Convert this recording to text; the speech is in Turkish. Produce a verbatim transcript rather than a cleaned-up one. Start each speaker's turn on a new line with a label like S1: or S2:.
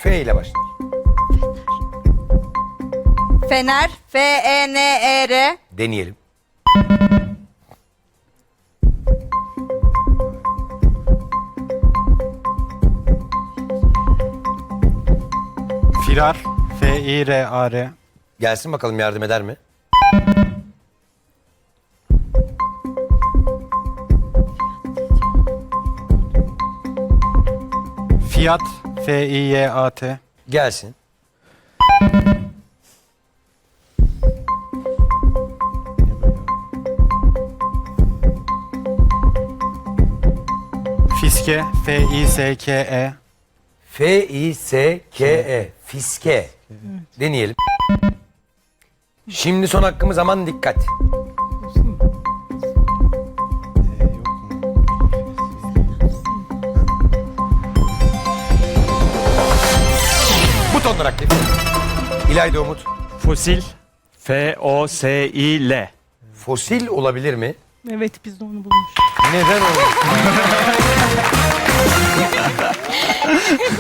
S1: F ile başlar.
S2: Fener. F E N E R.
S1: Deneyelim.
S3: Firar. F I R A R.
S1: Gelsin bakalım, yardım eder mi?
S3: Fiyat. F I Y A T.
S1: Gelsin.
S3: Fiske. F I S K E.
S1: F I S K E. Fiske. Deneyelim. Şimdi son hakkımız, aman dikkat. Butonlar aktif. İlayda Umut.
S4: Fosil. F O S I L.
S1: Fosil olabilir mi?
S5: Evet, biz de onu bulmuştuk.
S1: Neden olur?